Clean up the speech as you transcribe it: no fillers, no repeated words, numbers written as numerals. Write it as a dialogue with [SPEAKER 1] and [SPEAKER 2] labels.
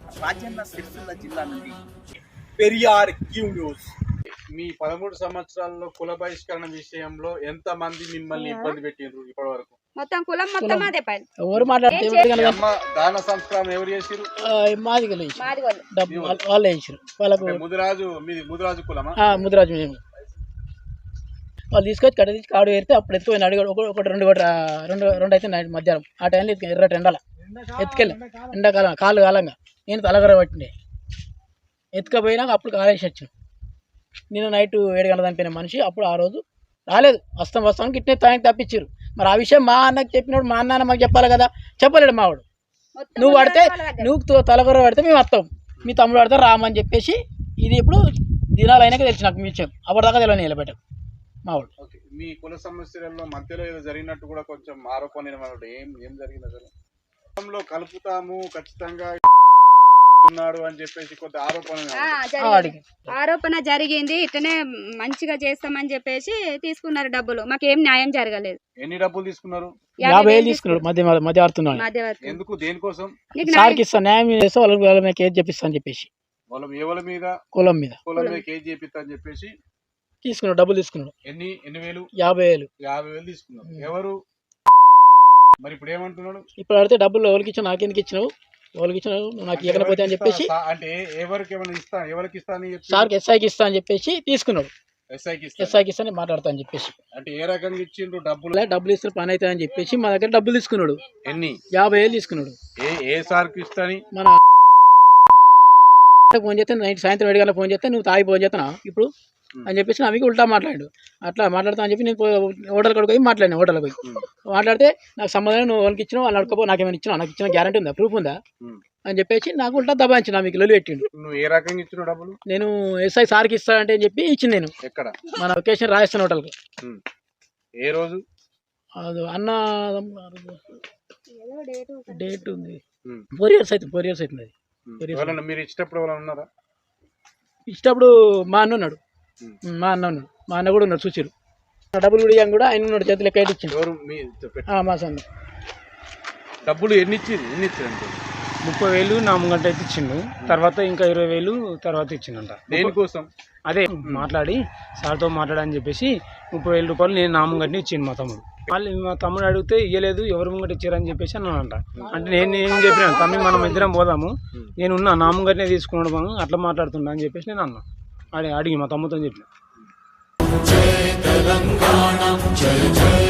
[SPEAKER 1] రాజన్న సిరిసిల్ల జిల్లా నుండి Periyar Q news.
[SPEAKER 2] మీ 13 సంవత్సరాల్లో కుల బహిష్కరణ విషయంలో ఎంత మంది మిమ్మల్ని ఇబ్బంది పెట్టిండ్రు ఇప్పటి వరకు?
[SPEAKER 3] మొత్తం కులం మొత్తం అదే పని.
[SPEAKER 4] ఎవరు మాట్లాడితే
[SPEAKER 2] దాన సంస్కారం ఎవరు చేసిరు?
[SPEAKER 4] మాది వాళ్ళు వేసారు వాళ్ళకు.
[SPEAKER 2] ముదిరాజు కులమా?
[SPEAKER 4] ముదిరాజు మేము. వాళ్ళు తీసుకొచ్చి కట్ట తీసి కాడు వేరితే అప్పుడు ఎత్తుకొని అడిగాడు. ఒకటి రెండు అయితే నైట్ మధ్యాహ్నం ఆ టైంలో ఎర్రటి ఎండాల ఎత్తుకెళ్ళి ఎండాకాలం కాళ్ళు కాలంగా నేను తలగర పట్టిండే ఎత్తుకపోయినాక అప్పుడు కాలేసి వచ్చాను. నేను నైట్ 7 గంటల చనిపోయిన మనిషి. అప్పుడు ఆ రోజు రాలేదు. వస్తానికి ఇట్నే తానికి తప్పించారు. మరి ఆ విషయం మా అన్నకి చెప్పినప్పుడు మా అన్న మాకు చెప్పాలి కదా, చెప్పలేడు మావాడు. నువ్వు పడితే నువ్వు తలగర పడితే మేము వస్తాం, మీ తమ్ముడు పడితే రామని చెప్పేసి ఇది ఇప్పుడు దినాలు అయినాక తెలిసి నాకు మీ విషయం. అప్పటిదాకా తెలియని నిలబెట్టాం మావాడు.
[SPEAKER 2] మీ కుల సమస్యలలో మధ్యలో ఏదో జరిగినట్టు కూడా కొంచెం ఆరోపణ ఏం జరిగింది అసలు? కలుపుతాము ఖచ్చితంగా ఉన్నాడు అని చెప్పేసి కొంత
[SPEAKER 3] ఆరోపణ జరిగింది. ఇట్లనే మంచిగా చేస్తామని చెప్పేసి తీసుకున్నారు డబ్బులు. మాకేం న్యాయం జరగలేదు.
[SPEAKER 2] ఎన్ని డబ్బులు తీసుకున్నారు?
[SPEAKER 4] 50,000 తీసుకున్నాడు. మధ్యవర్తున్నాడు.
[SPEAKER 2] ఎందుకు? దేనికోసం?
[SPEAKER 4] సార్కి ఇస్తాను, న్యాయం చేస్తే వాళ్ళ మీద కేసు చేపిస్తా అని చెప్పేసి.
[SPEAKER 2] ఎవరి మీద?
[SPEAKER 4] కులం మీద
[SPEAKER 2] కేసు చేపిస్తా అని చెప్పేసి
[SPEAKER 4] తీసుకున్నాడు. డబ్బులు తీసుకున్నాడు.
[SPEAKER 2] ఎన్ని వేలు?
[SPEAKER 4] 50,000
[SPEAKER 2] తీసుకున్నాడు. ఎవరు మరి ఇప్పుడు ఏమంటున్నాడు?
[SPEAKER 4] ఇప్పుడు అడితే డబ్బులు ఎవరికి ఇచ్చావు, నాకెందుకు ఇచ్చినావు, ఎవరికి ఇచ్చినావు, నాకు ఇవ్వకపోతే అని చెప్పేసి
[SPEAKER 2] అంటే ఎవరికి ఇస్తా
[SPEAKER 4] సార్కి ఎస్ఐకి ఇస్తా అని చెప్పేసి తీసుకున్నాడు. ఎస్ఐకి ఇస్తాను మాట్లాడతా అని చెప్పేసి.
[SPEAKER 2] అంటే ఏ రకంగా ఇచ్చిండ్రు డబ్బులు?
[SPEAKER 4] డబ్బులు ఇస్తే పని అవుతుంది అని చెప్పేసి మా దగ్గర డబ్బులు తీసుకున్నాడు.
[SPEAKER 2] ఎన్ని?
[SPEAKER 4] 50,000 తీసుకున్నాడు.
[SPEAKER 2] ఏ సార్కి ఇస్తాని?
[SPEAKER 4] మన ఫోన్ చేస్తే నైట్ సాయంత్రం 7 గంటలకు ఫోన్ చేస్తే నువ్వు తాగి ఫోన్ చేస్తున్నా ఇప్పుడు అని చెప్పేసి నాకు ఉల్టా మాట్లాడు. అట్లా మాట్లాడతా అని చెప్పి నేను హోటల్ కడుకు పోయి మాట్లాడినా. హోటల్కి పోయి మాట్లాడితే నాకు సంబంధం, నువ్వు వాళ్ళకి ఇచ్చినావు, వాళ్ళు అడుకోపో, నాకేమైనా ఇచ్చినా, నాకు ఇచ్చిన గ్యారంటీ ఉందా, ప్రూఫ్ ఉందా అని చెప్పేసి నాకు ఉల్టా దబాయించిన. మీకు లొల్లి పెట్టిండు.
[SPEAKER 2] నువ్వు ఏ రకంగా ఇచ్చిన డబ్బులు?
[SPEAKER 4] నేను ఎస్ఐ సార్కి ఇస్తానంటే అని చెప్పి ఇచ్చింది. నేను
[SPEAKER 2] ఎక్కడ?
[SPEAKER 4] మన లొకేషన్ రాజస్థాన్ హోటల్కి.
[SPEAKER 2] ఏ రోజు?
[SPEAKER 4] అది అన్న డేట్ ఉంది, 4 years అవుతుంది. అది
[SPEAKER 2] మీరు ఇచ్చేటప్పుడు ఎవరైనా ఉన్నారా?
[SPEAKER 4] ఇచ్చేటప్పుడు మా అన్న ఉన్నాడు. మా అన్న కూడా ఉన్నాడు. చూసారు డబ్బులు కూడా ఇవ్వం కూడా ఆయన ఉన్నాడు. చేతులు ఎక్క ఇచ్చిండు. మా సన్న
[SPEAKER 2] డబ్బులు ఎన్ని ఇచ్చిండు?
[SPEAKER 5] 30,000 నా ముంగంట అయితే ఇచ్చిండు. తర్వాత ఇంకా 20,000 తర్వాత ఇచ్చిండంట.
[SPEAKER 2] దేనికోసం?
[SPEAKER 5] అదే మాట్లాడి సార్తో మాట్లాడని చెప్పేసి 30,000 రూపాయలు నేను నా ముంగంటనే ఇచ్చిండు మా తమ్ముడు. వాళ్ళు మా తమ్ముడు అడిగితే ఇవ్వలేదు, ఎవరు ముంగట ఇచ్చారని చెప్పేసి అన్నానంట. అంటే నేను ఏం చెప్పినాను, తమ్మి మనం ఇద్దరం పోదాము, నేనున్నా నా ముంగటనే తీసుకున్నాడు మనం అట్లా మాట్లాడుతున్నా అని చెప్పేసి నేను అన్నా. అడిగి మా తమ్ముతో చెప్పిన.